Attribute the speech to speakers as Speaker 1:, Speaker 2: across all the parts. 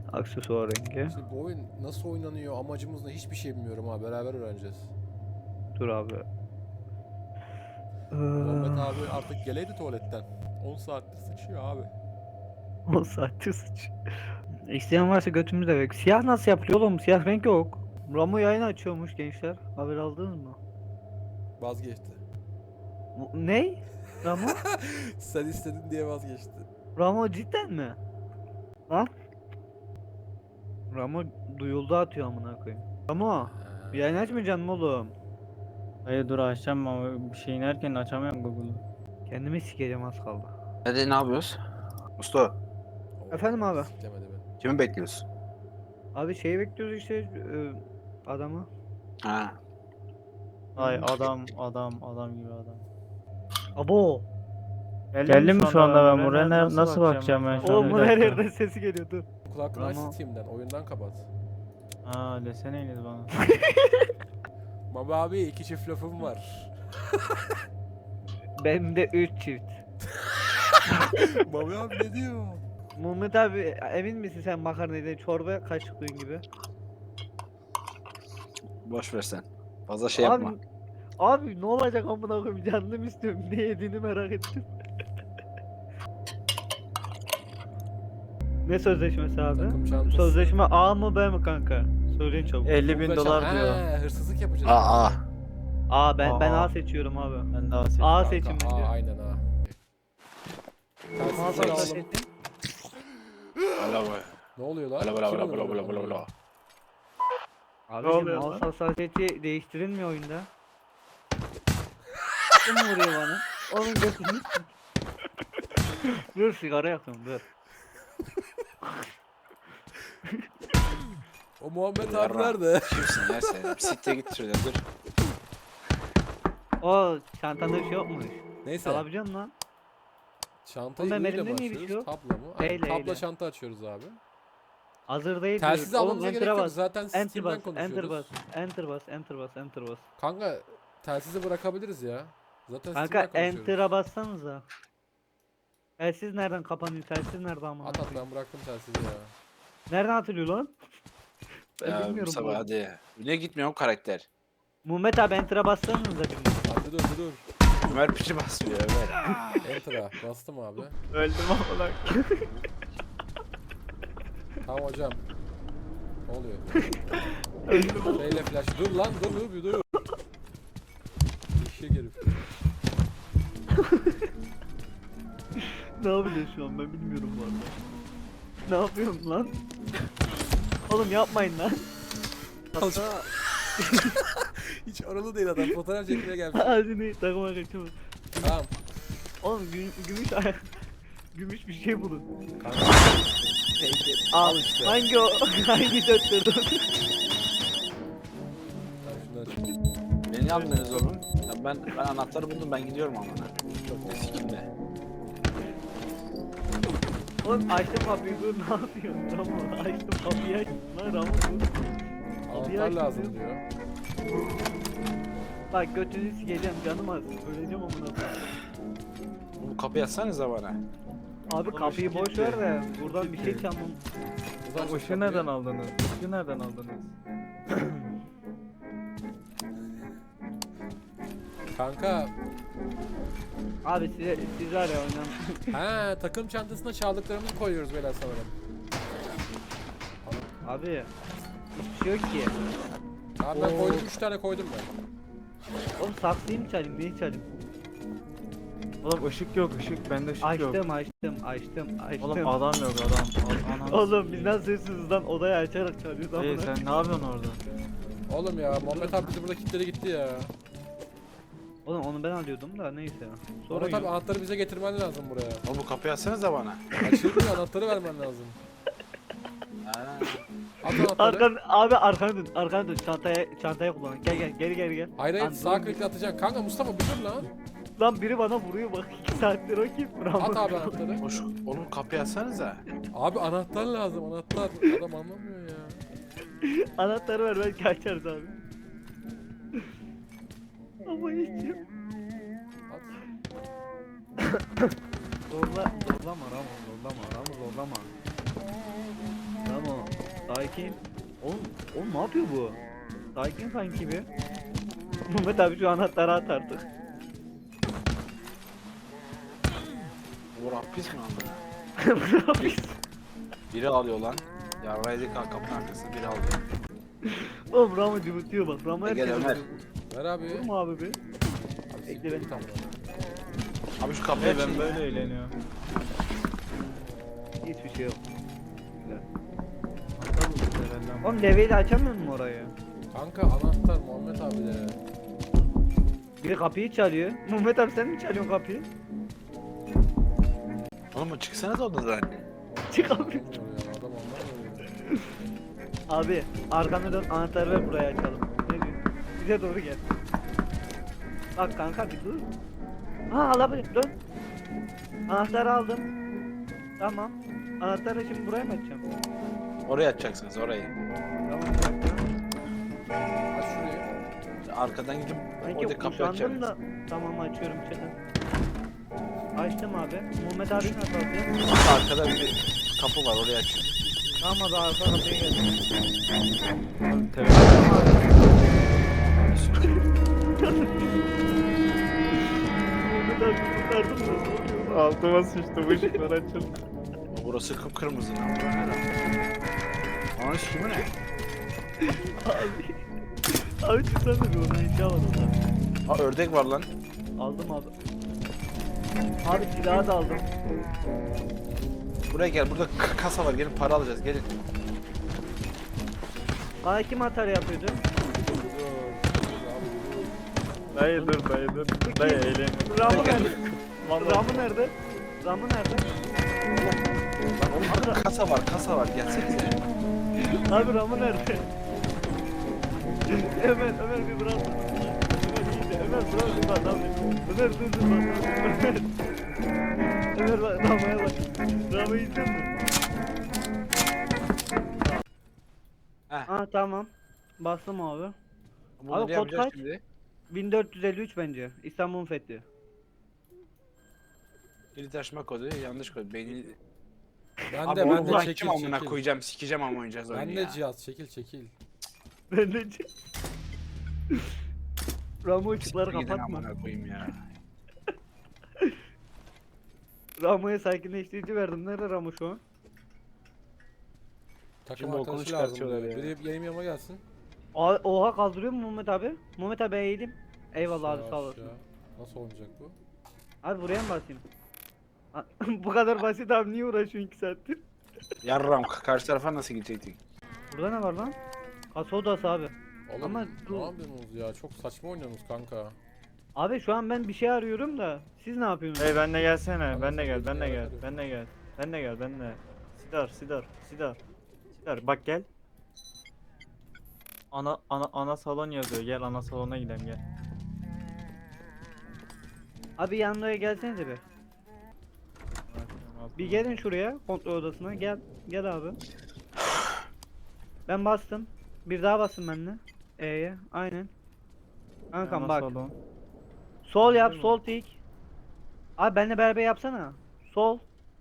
Speaker 1: Aksesuar rengi.
Speaker 2: Şimdi bu oyun nasıl oynanıyor, amacımız ne, hiçbir şey bilmiyorum ha. Beraber öğreneceğiz.
Speaker 1: Dur abi.
Speaker 2: Muhammed abi artık geleydi tuvaletten. 10 saattir sıçıyor abi.
Speaker 1: 10 saattir sıç. İsteyen varsa götümüzde bek. Siyah nasıl yapılıyor oğlum? Siyah renk yok. Ramo yayın açıyormuş gençler. Haber aldınız mı?
Speaker 2: Vazgeçti.
Speaker 1: Ne? Ramo?
Speaker 2: Sen istedin diye vazgeçti.
Speaker 1: Ramo cidden mi? Lan? Ramo duyuldu atıyor amına koyayım. Ramo, yayın açmayacaksın mı oğlum?
Speaker 3: Hayır dur açacağım ama bir şey inerken açamıyorum Google'u.
Speaker 1: Kendimi sikeceğim az kaldı.
Speaker 4: Hadi ne yapıyoruz? Mustafa,
Speaker 2: Oo,
Speaker 1: Efendim abi?
Speaker 2: siklemedi beni.
Speaker 4: kimi bekliyorsun?
Speaker 1: Abi şeyi bekliyoruz işte adamı.
Speaker 4: Ha,
Speaker 3: Ay adam gibi adam.
Speaker 1: Abo.
Speaker 3: Geldim mi şu anda ben buraya nasıl bakacağım ben şu an?
Speaker 1: Oğlum
Speaker 3: Bir
Speaker 1: bunun her
Speaker 3: dakika.
Speaker 1: yerden sesi geliyor dur.
Speaker 2: Kulaklığını aç
Speaker 1: Ramo.
Speaker 2: Steam'den, oyundan kapat.
Speaker 3: Aa deseneydiniz bana.
Speaker 2: Baba abi 2 çift lafım var.
Speaker 1: Benim de 3 çift.
Speaker 2: Baba abi ne diyor?
Speaker 1: Muhammed abi emin misin sen makarnayla çorba kaşıklığın gibi?
Speaker 4: boş ver sen. Fazla şey
Speaker 1: abi,
Speaker 4: yapma.
Speaker 1: abi ne olacak amına koyayım canım istiyorum. Ne yediğini merak ettim. Ne sözleşmesi abi?
Speaker 2: Takım çantası.
Speaker 1: Sözleşme A mı B mi kanka? Söyleyin çabuk.
Speaker 3: 50.000
Speaker 2: Muhteşem.
Speaker 3: dolar diyor.
Speaker 2: He, hırsızlık yapacağız.
Speaker 4: Aa,
Speaker 1: A ben
Speaker 3: Aa.
Speaker 1: A seçiyorum abi.
Speaker 3: Ben daha
Speaker 1: A
Speaker 2: Kanka,
Speaker 1: seçim bence.
Speaker 2: aynen ha.
Speaker 1: Mal
Speaker 2: Telsizleri
Speaker 1: sat
Speaker 2: aldım.
Speaker 1: seçtim.
Speaker 4: bala bala
Speaker 2: Ne oluyor lan?
Speaker 4: bala bala
Speaker 2: Kim
Speaker 4: bala
Speaker 2: oluyor
Speaker 4: bala bala
Speaker 2: lan?
Speaker 4: bala.
Speaker 1: Abi
Speaker 3: oluyor
Speaker 1: mal
Speaker 3: lan?
Speaker 1: hassasiyeti değiştirilmiyor oyunda. Kim vuruyor bana? Onun götünü. Dur sigara yakıyorum dur.
Speaker 2: O Muhammed abi
Speaker 4: Yarra.
Speaker 2: nerede?
Speaker 4: Kimsin ya sen? Siktir git şuradan dur.
Speaker 1: O çantanda bir şey yokmuş.
Speaker 2: Neyse.
Speaker 1: Alabileceksin lan.
Speaker 2: Çantayı
Speaker 1: Oğlum,
Speaker 2: I ile
Speaker 1: elimde niye bir
Speaker 2: başlıyoruz.
Speaker 1: şey yok?
Speaker 2: Tabla mı? Aynen,
Speaker 1: Eyle,
Speaker 2: tabla
Speaker 1: eyle.
Speaker 2: çanta açıyoruz abi.
Speaker 1: Hazır değil.
Speaker 2: Telsizi
Speaker 1: diyor. Oğlum,
Speaker 2: almamıza gerek
Speaker 1: enter'a
Speaker 2: yok.
Speaker 1: bas.
Speaker 2: Zaten
Speaker 1: Enter
Speaker 2: Steam'den
Speaker 1: bas, enter bas,
Speaker 2: konuşuyoruz.
Speaker 1: enter bas, enter bas, enter bas.
Speaker 2: Kanka telsizi bırakabiliriz ya. Zaten
Speaker 1: Kanka
Speaker 2: Steam'den konuşuyoruz.
Speaker 1: enter'a bassanıza. Telsiz nereden kapanıyor? Telsiz nerede amına?
Speaker 2: At ben bıraktım telsizi ya.
Speaker 1: Nereden atılıyor lan? Ben
Speaker 4: Ya
Speaker 1: bilmiyorum.
Speaker 4: Mustafa
Speaker 1: bu.
Speaker 4: hadi. Niye gitmiyor o karakter?
Speaker 1: Muhammed abi enter'a bassanıza bir.
Speaker 2: Hadi dur.
Speaker 4: Ömer piçi basmıyor Ömer.
Speaker 2: Enter'a bastım abi.
Speaker 3: Öldüm ama lan.
Speaker 2: Tamam hocam. Ne oluyor? Şeyle flash. Dur lan dur bir dur. Eşek herif.
Speaker 1: Ne yapacağız şu an ben bilmiyorum bu arada. Ne yapıyorum lan? Oğlum yapmayın lan. Hatta
Speaker 2: Hiç oralı değil adam. Fotoğraf çekmeye gelmiş.
Speaker 1: ağzını takıma kaçımı.
Speaker 2: Tamam.
Speaker 1: Oğlum gümüş ayak. Gümüş bir şey bulun.
Speaker 2: Kanka.
Speaker 1: Al
Speaker 2: işte.
Speaker 1: hangi o? Hangi döttürdün?
Speaker 2: Ben şunları
Speaker 4: Beni almıyorsunuz oğlum. Ya ben anahtarı buldum ben gidiyorum ama. Çok da sikimde.
Speaker 1: Oğlum açtım kapıyı dur ne yapıyorsun Ramo? Açtım kapıyı açtım lan Ramo dur. Kapıyı
Speaker 2: anahtar
Speaker 1: açtım
Speaker 2: lazım
Speaker 1: diyor.
Speaker 2: diyor.
Speaker 1: Bak götünü sikeceğim canım az. Öleceğim amına koyayım.
Speaker 4: Bu kapıyı açsanıza bana.
Speaker 1: Abi kapıyı boş ver de buradan bir şey çalmam.
Speaker 2: Uzak şu
Speaker 3: Işığı
Speaker 2: kapıyı.
Speaker 3: nereden aldınız? Işığı nereden aldınız?
Speaker 2: Kanka.
Speaker 1: Abi siz var ya oynan.
Speaker 2: He takım çantasına çaldıklarımızı koyuyoruz beyler sanırım.
Speaker 1: Abi hiçbir şey yok ki.
Speaker 2: Abi ben
Speaker 1: Oo.
Speaker 2: koydum 3 tane koydum ben.
Speaker 1: Oğlum saksıyı mı çalayım neyi çalayım?
Speaker 3: Oğlum ışık yok ışık bende ışık yok.
Speaker 1: Açtım.
Speaker 3: Oğlum adam yok adam. Anam.
Speaker 1: Oğlum biz nasıl hırsızdan odayı açarak çalıyoruz
Speaker 3: Hey
Speaker 1: amına.
Speaker 3: sen ne yapıyorsun orada?
Speaker 2: Oğlum ya Muhammed abi bizi burada kilitledi gitti ya.
Speaker 1: Oğlum onu ben alıyordum da neyse. Sorun
Speaker 2: Muhammed abi
Speaker 1: yok.
Speaker 2: anahtarı bize getirmen lazım buraya.
Speaker 4: Oğlum bu kapıyı açsanıza bana.
Speaker 2: Açılmıyor anahtarı vermen lazım.
Speaker 4: Ha.
Speaker 2: At anahtarı.
Speaker 1: Arkana dön çantaya kullan. Gel geri.
Speaker 2: Hayır
Speaker 1: Lan
Speaker 2: sağ
Speaker 1: dur.
Speaker 2: klikle atacaksın. Kanka Mustafa bir dur lan.
Speaker 1: Lan biri bana vuruyor bak 2 saattir o kim? Bravo.
Speaker 2: At abi anahtarı.
Speaker 4: Hoş, oğlum kapıyı açsanıza.
Speaker 2: Abi anahtar lazım anahtar. Adam anlamıyor ya.
Speaker 1: Anahtarı ver belki açarız abi. Ama hiç yok.
Speaker 2: At.
Speaker 1: Zorlama Ramo. Ramo. Sakin. Oğlum ne yapıyor bu? Sakin sanki bir. Mehmet abi şu anahtarı at artık.
Speaker 4: Bu hapis mi aldı?
Speaker 1: Bu ne yapıyor?
Speaker 4: Biri alıyor lan. Yarraydı kapının arkasında biri alıyor.
Speaker 1: Oğlum Ramo cıvıtıyor bak. Ramo
Speaker 4: Gel
Speaker 1: herkes
Speaker 4: Ömer.
Speaker 2: Ver abi.
Speaker 1: Vur mu abi bir?
Speaker 2: Abi
Speaker 1: Bekle
Speaker 2: siktir
Speaker 1: beni.
Speaker 2: git ama.
Speaker 4: Abi şu kapıyı
Speaker 3: Ben
Speaker 4: açın.
Speaker 3: böyle eğleniyorum.
Speaker 1: Hiçbir şey yok.
Speaker 3: Aptal mısın herhalde ama.
Speaker 1: Oğlum leveyi de açamıyor mu orayı?
Speaker 2: Kanka anahtar Muhammed abi de.
Speaker 1: Biri kapıyı çalıyor. Mehmet abi sen mi çalıyorsun kapıyı?
Speaker 4: Oğlum çıksana da odadan.
Speaker 1: Çık abi.
Speaker 2: Anlamıyor ya, adam anlamıyor.
Speaker 1: Abi arkanı dön anahtarı ver buraya açalım. Ne diyorsun? Bize doğru gel. Bak kanka bir dur. Ha alabilir dön. Anahtarı aldım. Tamam. Anahtarı şimdi buraya mı açacağım?
Speaker 4: Oraya açacaksınız orayı.
Speaker 1: Tamam bir dakika.
Speaker 2: Aç şurayı.
Speaker 4: Arkadan gidip
Speaker 1: Sanki
Speaker 4: orada kapıyı
Speaker 1: kuşandım
Speaker 4: açacaksınız.
Speaker 1: da. Tamam açıyorum çıkın. Açtım abi. Muhammed abi nasıl alacağım?
Speaker 4: Arkada bir kapı var oraya açın.
Speaker 1: Tamam abi arka kapıya geldim.
Speaker 3: Abi telefon.
Speaker 1: Muhammed abi kurtardım da ne oluyor?
Speaker 3: Altıma sıçtı, bu ışıklar açıldı.
Speaker 4: Burası kıpkırmızı lan. Bura ne lan? Ananı sikimi ne?
Speaker 1: Abi. Abi çıksana bir oradan inşa var orada.
Speaker 4: Ha ördek var lan.
Speaker 1: Aldım abi. Abi silahı da aldım.
Speaker 4: Buraya gel. Burada kasa var. Gelin para alacağız. Gelin.
Speaker 1: Bana kim atar yapıyordu?
Speaker 3: Dayı dur, dayı dur. Dayı eğlen.
Speaker 1: Ramı nerede? Ramı nerede? Ramı nerede?
Speaker 4: Lan oğlum burada kasa var. Kasa var. Gelsenize.
Speaker 1: Abi Ramı nerede? Ömer bir bırak. Ömer bırak bir bak abi. Ömer dur bak. Ömer bak Rama'ya bak. Rama'yı izledin mi?
Speaker 4: Heh.
Speaker 1: Ha tamam. Bastım abi.
Speaker 4: Bunu
Speaker 1: Abi
Speaker 4: ne
Speaker 1: kod
Speaker 4: yapacağız
Speaker 1: kaç?
Speaker 4: şimdi?
Speaker 1: 1453 bence. İstanbul'un fethi.
Speaker 4: Kilit açma kodu. Yanlış kod. Beyni...
Speaker 2: Ben
Speaker 4: Abi
Speaker 2: de
Speaker 4: onu
Speaker 2: ben de
Speaker 4: bulan
Speaker 2: çekil
Speaker 4: kim amına
Speaker 2: çekil.
Speaker 4: koyacağım. Sikeceğim ama oynayacağız oyunu
Speaker 2: Ben
Speaker 4: ya.
Speaker 2: de cihaz çekil çekil.
Speaker 1: Ben de Ramo ışıkları
Speaker 4: Siktir gidin
Speaker 1: kapatma.
Speaker 4: amına koyayım ya.
Speaker 1: Ramo'ya sakinleştirici verdim. Nerede Ramo şu an?
Speaker 2: Takım
Speaker 4: Şimdi okulu
Speaker 2: arkadaşı lazım
Speaker 4: çıkartıyorlar
Speaker 2: diyor.
Speaker 4: ya.
Speaker 2: Biri benim yanıma gelsin.
Speaker 1: Oha kaldırıyor mu Muhammed abi? Muhammed abi eğilim. Eyvallah abi
Speaker 2: Aşağı,
Speaker 1: sağ olasın.
Speaker 2: aşağı. Nasıl olmayacak bu?
Speaker 1: Abi buraya mı basayım? Bu kadar basit abi niye uğraşıyorsun 2 saattir?
Speaker 4: Yarram karşı tarafa nasıl gidecektik?
Speaker 1: Burada ne var lan? Kasa odası abi.
Speaker 2: Oğlum
Speaker 1: Ama
Speaker 2: ne
Speaker 1: bu-
Speaker 2: yapıyorsunuz ya? Çok saçma oynuyorsunuz kanka.
Speaker 1: Abi şu an ben bir şey arıyorum da siz ne yapıyorsunuz?
Speaker 3: Hey ben de gelsene,
Speaker 2: Bana
Speaker 3: ben de gel,
Speaker 2: sen
Speaker 3: ben de
Speaker 2: de
Speaker 3: gel,
Speaker 2: gel.
Speaker 3: ben de gel. Ben de gel, ben de. Sidar, bak gel. Ana salon yazıyor. Gel ana salona gidelim gel.
Speaker 1: Abi yanlara gelsenize bir. Bir gelin şuraya kontrol odasına gel. Gel abi. Ben bastım. Bir daha bastım ben de. E'ye aynen. Kankam
Speaker 3: Ana
Speaker 1: bak.
Speaker 3: salon.
Speaker 1: Sol yap sol tik. Abi benimle beraber yapsana. Sol.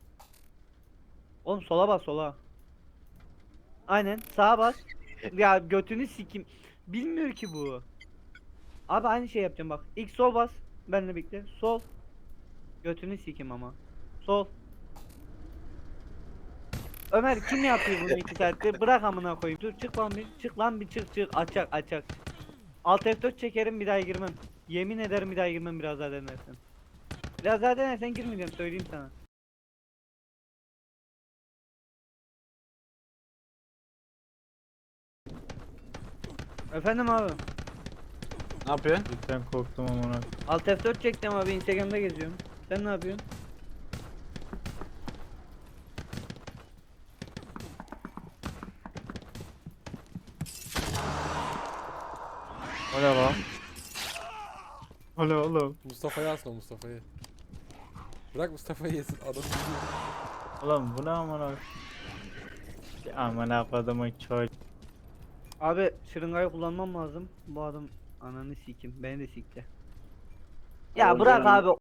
Speaker 1: Oğlum sola bas sola. Aynen sağa bas. Ya götünü sikim. Bilmiyor ki bu. Abi aynı şey yapacağım bak. İlk sol bas. Benimle birlikte. Sol. Götünü sikim ama. Sol. Ömer kim yapıyor bunu 2 saatte? Bırak amına koyayım. Dur çık lan bir. Çık lan bir çık. Açak. Alt F4 çekerim bir daha girmem. Yemin ederim bir daha girmem biraz daha denersen. Biraz daha denersen girmeyeceğim söyleyeyim sana. Efendim abi.
Speaker 4: Ne yapıyorsun?
Speaker 3: Cidden korktum amına.
Speaker 1: Alt F4 çektim abi Instagram'da geziyorum. Sen ne yapıyorsun?
Speaker 3: O ne lan? O ne oğlum?
Speaker 2: Mustafa'yı asma Mustafa'yı. Bırak Mustafa'yı yesin. Adam gidiyor.
Speaker 3: Oğlum bu ne amına? Ya amına kodumun çocuğu.
Speaker 1: Abi şırıngayı kullanmam lazım. Bu adam ananı sikim. Beni de sikti. Ya
Speaker 4: Oğlum
Speaker 1: bırak
Speaker 4: canım.
Speaker 1: abi